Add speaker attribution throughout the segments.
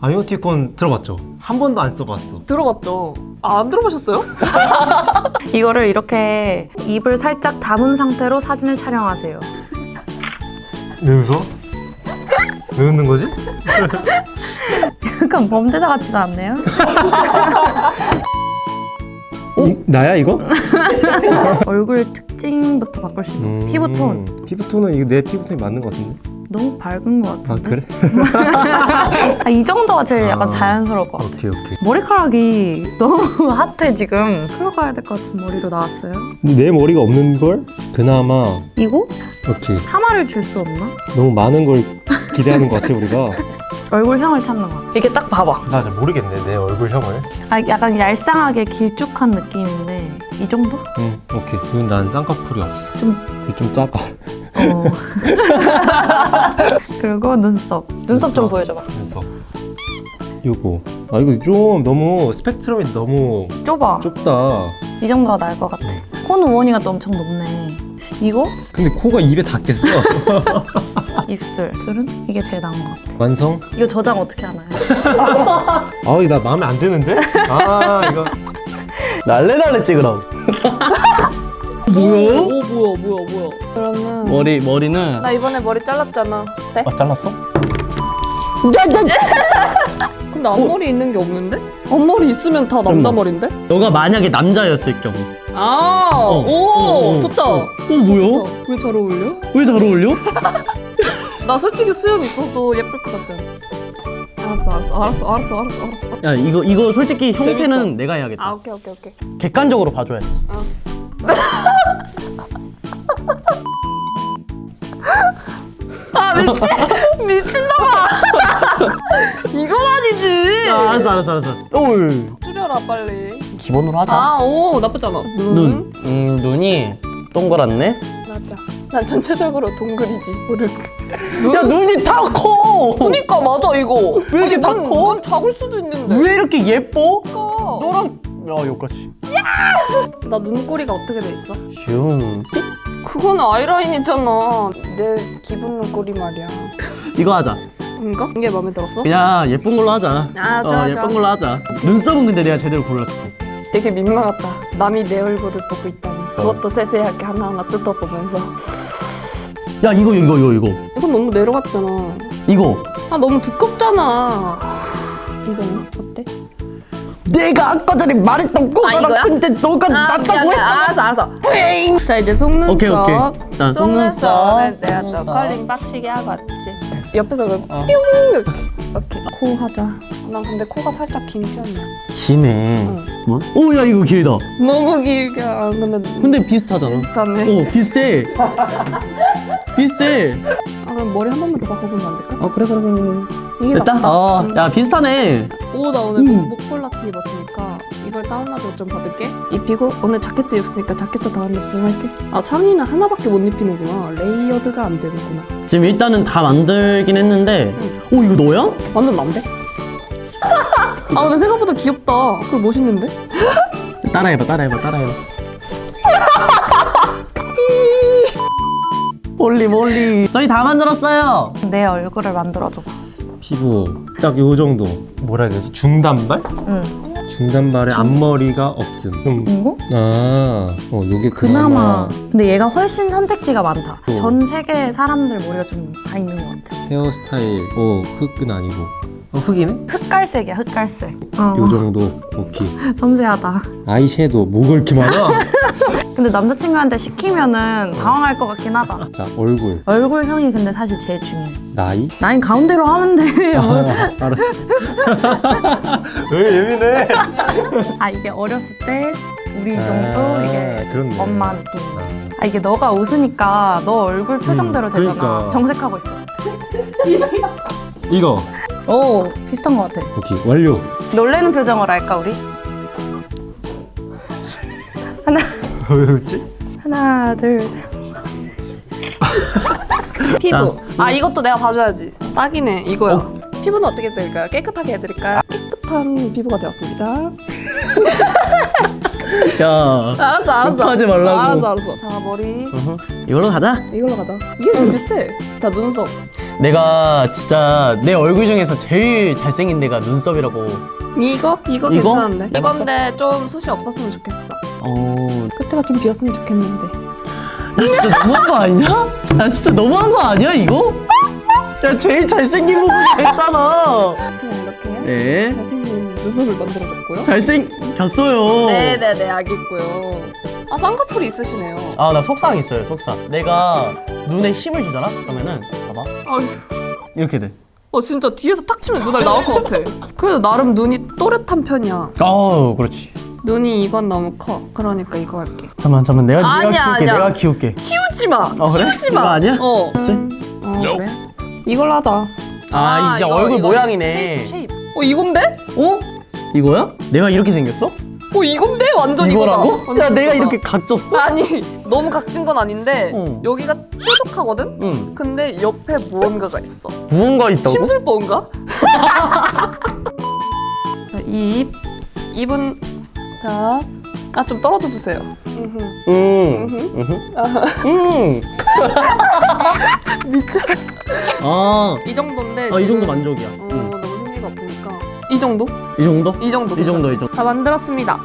Speaker 1: 아이오티콘 들어봤죠? 한 번도 안 써봤어.
Speaker 2: 들어봤죠? 아, 안 들어보셨어요?
Speaker 3: 이거를 이렇게 입을 살짝 다문 상태로 사진을 촬영하세요.
Speaker 1: 왜 웃어? 왜 웃는 거지?
Speaker 3: 약간 범죄자 같지는 않네요?
Speaker 1: 나야 이거?
Speaker 3: 얼굴 특징부터 바꿀 수 있는 피부톤.
Speaker 1: 피부톤은 이거 내 피부톤이 맞는 것 같은데?
Speaker 3: 너무 밝은 것
Speaker 1: 아
Speaker 3: 같은데?
Speaker 1: 그래?
Speaker 3: 아, 이 정도가 제일 약간 자연스러울 것 같아.
Speaker 1: 오케이.
Speaker 3: 머리카락이 너무 핫해 지금. 풀어가야 될 것 같은 머리로 나왔어요.
Speaker 1: 근데 내 머리가 없는 걸? 그나마
Speaker 3: 이거?
Speaker 1: 오케이.
Speaker 3: 파마를 줄 수 없나?
Speaker 1: 너무 많은 걸 기대하는 것 같아 우리가.
Speaker 3: 얼굴형을 찾는 것 같아. 이게 딱 봐봐.
Speaker 1: 나 잘 모르겠네 내 얼굴형을.
Speaker 3: 아, 약간 얄쌍하게 길쭉한 느낌인데 이 정도?
Speaker 1: 응 오케이. 이건 난 쌍꺼풀이 없어. 좀 작아.
Speaker 3: 그리고 눈썹 좀 보여줘봐.
Speaker 1: 그래서 요거 이거 좀 너무 스펙트럼이 너무
Speaker 3: 좁아.
Speaker 1: 좁다.
Speaker 3: 이 정도가 나을 것 같아. 코 우원이가 또 엄청 높네. 이거?
Speaker 1: 근데 코가 입에 닿겠어.
Speaker 3: 입술은? 이게 제일 나은 것 같아.
Speaker 1: 완성?
Speaker 3: 이거 저장 어떻게 하나요?
Speaker 1: 이거 나 마음에 안 드는데? 이거
Speaker 4: 날래날래 찍으라고.
Speaker 2: 뭐야? 오, 뭐야. 그러면
Speaker 4: 머리는
Speaker 2: 나 이번에 머리 잘랐잖아. 네?
Speaker 4: 잘랐어?
Speaker 2: 근데 앞머리 있는 게 없는데? 앞머리 있으면 다 남자 머리인데?
Speaker 4: 너가 만약에 남자였을 경우.
Speaker 2: 오, 좋다.
Speaker 4: 뭐야?
Speaker 2: 왜 잘 어울려?
Speaker 4: 왜 잘 어울려?
Speaker 2: 나 솔직히 수염 있어도 예쁠 것 같잖아. 알았어.
Speaker 4: 야 이거 솔직히 형태는
Speaker 2: 재밌다.
Speaker 4: 내가 해야겠다.
Speaker 2: 오케이.
Speaker 4: 객관적으로 봐줘야지.
Speaker 2: 미친놈아! 이건 아니지!
Speaker 4: 알았어. 올.
Speaker 2: 줄여라, 빨리.
Speaker 4: 기본으로 하자.
Speaker 2: 오, 나쁘잖아.
Speaker 4: 눈. 눈이 동그랗네.
Speaker 2: 맞아. 난 전체적으로 동글이지. 모르.
Speaker 4: 야 눈이 다 커.
Speaker 2: 그니까 맞아, 이거.
Speaker 4: 왜 이렇게 다 커?
Speaker 2: 눈 작을 수도 있는데.
Speaker 4: 왜 이렇게 예뻐?
Speaker 2: 그니까.
Speaker 4: 너랑 여기까지.
Speaker 2: 나 눈꼬리가 어떻게 돼 있어?
Speaker 4: 슝.
Speaker 2: 그건 아이라인이잖아. 내 기분 눈꼬리 말이야.
Speaker 4: 이거 하자.
Speaker 2: 이거? 이게 마음에 들었어?
Speaker 4: 그냥 예쁜 걸로 하자.
Speaker 2: 좋아.
Speaker 4: 예쁜 걸로 하자. 눈썹은 근데 내가 제대로 골라줄게.
Speaker 2: 되게 민망하다. 남이 내 얼굴을 보고 있다니. 그것도 세세하게 하나하나 뜯어보면서.
Speaker 4: 야 이거.
Speaker 2: 이건 너무 내려갔잖아.
Speaker 4: 이거.
Speaker 2: 너무 두껍잖아. 이거는 어때?
Speaker 4: 내가 아까 전에 말했던 거잖아.
Speaker 2: 이거야?
Speaker 4: 근데 너가 낫다고 했잖아.
Speaker 2: 알았어. 자, 이제 속눈썹.
Speaker 4: 오케이. 자,
Speaker 2: 속눈썹에 내가 또
Speaker 4: 속눈썹.
Speaker 2: 컬링 빡시게 하고 왔지. 옆에서 뿅 이렇게. 코 하자. 난 근데 코가 살짝 긴 편이야.
Speaker 4: 기네.
Speaker 2: 응.
Speaker 4: 뭐? 오, 야 이거 길다.
Speaker 2: 너무 길게.
Speaker 4: 근데 비슷하잖아.
Speaker 2: 비슷하네.
Speaker 4: 비슷해. 비슷해.
Speaker 2: 그럼 머리 한 번만 더 바꿔보면 안 될까?
Speaker 4: 그래.
Speaker 2: 이게
Speaker 4: 됐다.
Speaker 2: 낫다.
Speaker 4: 야 비슷하네.
Speaker 2: 나 오늘 목폴라 티 입었으니까 이걸 다운로드 좀 받을게. 입히고 오늘 자켓도 입었으니까 자켓도 다운로드 좀 할게. 상의는 하나밖에 못 입히는구나. 레이어드가 안 되는구나.
Speaker 4: 지금 일단은 다 만들긴 했는데. 오 이거 너야?
Speaker 2: 완전 난데? 근데 생각보다 귀엽다. 그리고 멋있는데?
Speaker 4: 따라해봐. 몰리. 저희 다 만들었어요.
Speaker 3: 내 얼굴을 만들어줘봐.
Speaker 1: 피부 딱 요 정도. 뭐라 해야 되지? 중단발?
Speaker 3: 응.
Speaker 1: 중단발에 앞머리가 없음.
Speaker 3: 이거?
Speaker 1: 요게
Speaker 3: 그나마. 근데 얘가 훨씬 선택지가 많다.
Speaker 1: 어.
Speaker 3: 전 세계 사람들 머리가 좀 다 있는 것 같아.
Speaker 1: 헤어스타일. 흑은 아니고. 흑이네?
Speaker 3: 흑갈색이야, 흑갈색.
Speaker 1: 요 정도. 오케이.
Speaker 3: 섬세하다.
Speaker 1: 아이섀도우 뭐가 이렇게 많아?
Speaker 3: 근데 남자친구한테 시키면은 당황할 것 같긴 하다.
Speaker 1: 자 얼굴.
Speaker 3: 얼굴형이 근데 사실 제일 중요해.
Speaker 1: 나이?
Speaker 3: 나인 가운데로 하면 돼.
Speaker 1: 알았어. 왜 예민해?
Speaker 3: 이게 어렸을 때 우리 정도 이게
Speaker 1: 그렇네.
Speaker 3: 엄마 느낌. 이게 너가 웃으니까 너 얼굴 표정대로 되잖아.
Speaker 1: 그러니까.
Speaker 3: 정색하고 있어.
Speaker 1: 이거.
Speaker 3: 오, 비슷한 것 같아.
Speaker 1: 오케이 완료.
Speaker 3: 놀래는 표정으로 할까 우리?
Speaker 1: 왜 웃지?
Speaker 3: 하나, 둘, 셋.
Speaker 2: 피부. 이것도 내가 봐줘야지. 딱이네. 이거야. 피부는 어떻게 해드릴까요? 깨끗하게 해드릴까요? 깨끗한 피부가 되었습니다.
Speaker 4: 야.
Speaker 2: 알았어.
Speaker 4: 욕하지 말라고.
Speaker 2: 알았어. 자, 머리.
Speaker 4: 이걸로 가자.
Speaker 2: 이걸로 가자. 이게 제일 비슷해. 자, 눈썹.
Speaker 4: 내가 진짜 내 얼굴 중에서 제일 잘생긴 데가 눈썹이라고.
Speaker 2: 이거
Speaker 4: 이거?
Speaker 2: 괜찮은데.
Speaker 4: 해봤어?
Speaker 2: 이건데 좀 숱이 없었으면 좋겠어.
Speaker 4: 어.
Speaker 2: 끝에가 좀 비었으면 좋겠는데.
Speaker 4: 야 진짜 너무한 거 아니야? 야 진짜 너무한 거 아니야 이거? 야 제일 잘생긴 부분이 됐잖아.
Speaker 2: 그냥 이렇게
Speaker 4: 네.
Speaker 2: 잘생긴 눈썹을 만들어줬고요.
Speaker 4: 잘생겼어요.
Speaker 2: 네네네, 알겠고요. 아, 쌍꺼풀이 있으시네요.
Speaker 4: 아 나 속상 있어요 속상. 내가 눈에 힘을 주잖아? 그러면은 봐봐
Speaker 2: 아휴.
Speaker 4: 이렇게 돼.
Speaker 2: 진짜 뒤에서 탁 치면 눈알 나올 것 같아. 그래도 나름 눈이 또렷한 편이야.
Speaker 4: 그렇지.
Speaker 2: 눈이 이건 너무 커. 그러니까 이거 할게.
Speaker 4: 잠깐만 내가
Speaker 2: 아니야,
Speaker 4: 키울게.
Speaker 2: 아니야.
Speaker 4: 내가 키울게.
Speaker 2: 키우지 마.
Speaker 4: 그래?
Speaker 2: 키우지 마.
Speaker 4: 이거 아니야?
Speaker 2: 그래? 이걸로 하자.
Speaker 4: 이제 얼굴 모양이네.
Speaker 2: 쉐입. 이건데?
Speaker 4: 어? 이거야? 내가 이렇게 생겼어?
Speaker 2: 이건데? 완전
Speaker 4: 이거라고?
Speaker 2: 이거다. 완전
Speaker 4: 야 내가
Speaker 2: 이거다.
Speaker 4: 이렇게 각졌어?
Speaker 2: 아니, 너무 각진 건 아닌데
Speaker 4: 어.
Speaker 2: 여기가 뾰족하거든?
Speaker 4: 응.
Speaker 2: 근데 옆에 무언가가 있어.
Speaker 4: 무언가 있다고?
Speaker 2: 심술보인가? 자, 입은 자, 좀 떨어져 주세요. 미쳐. 이 정도인데
Speaker 4: 이 정도 만족이야.
Speaker 2: 너무 생기가 없으니까 이 정도?
Speaker 4: 이 정도?
Speaker 2: 이 정도
Speaker 4: 이 정도,
Speaker 2: 괜찮지?
Speaker 4: 이 정도.
Speaker 2: 다 만들었습니다.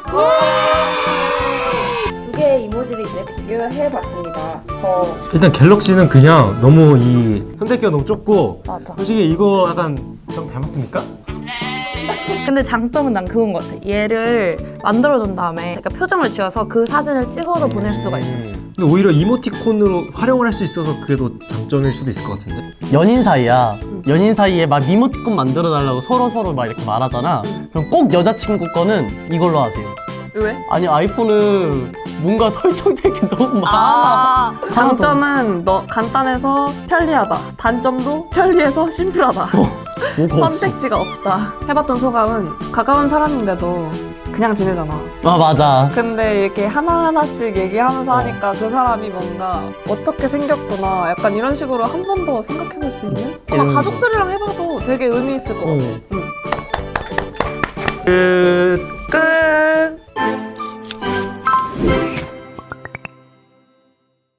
Speaker 5: 두 개의 이모지를 이제 비교해봤습니다.
Speaker 1: 일단 갤럭시는 그냥 너무 이 선택기가 너무 좁고
Speaker 2: 맞아.
Speaker 1: 솔직히 이거 약간 좀 닮았습니까?
Speaker 3: 근데 장점은 난 그건 것 같아. 얘를 만들어둔 다음에 그러니까 표정을 지어서 그 사진을 찍어서 보낼 수가 있어.
Speaker 1: 근데 오히려 이모티콘으로 활용을 할 수 있어서 그게 더 장점일 수도 있을 것 같은데?
Speaker 4: 연인 사이야. 연인 사이에 막 미모티콘 만들어 달라고 서로 막 이렇게 말하잖아. 그럼 꼭 여자친구 거는 이걸로 하세요.
Speaker 2: 왜?
Speaker 4: 아니 아이폰은 뭔가 설정될 게 너무 많아.
Speaker 2: 장점은 간단해서 편리하다. 단점도 편리해서 심플하다.
Speaker 4: 뭐가
Speaker 2: 선택지가 없다. 해봤던 소감은 가까운 사람인데도 그냥 지내잖아.
Speaker 4: 맞아.
Speaker 2: 근데 이렇게 하나하나씩 얘기하면서 하니까 그 사람이 뭔가 어떻게 생겼구나 약간 이런 식으로 한 번 더 생각해볼 수 있는? 아마
Speaker 4: 이런 거.
Speaker 2: 가족들이랑 해봐도 되게 의미 있을 것 같아. 응.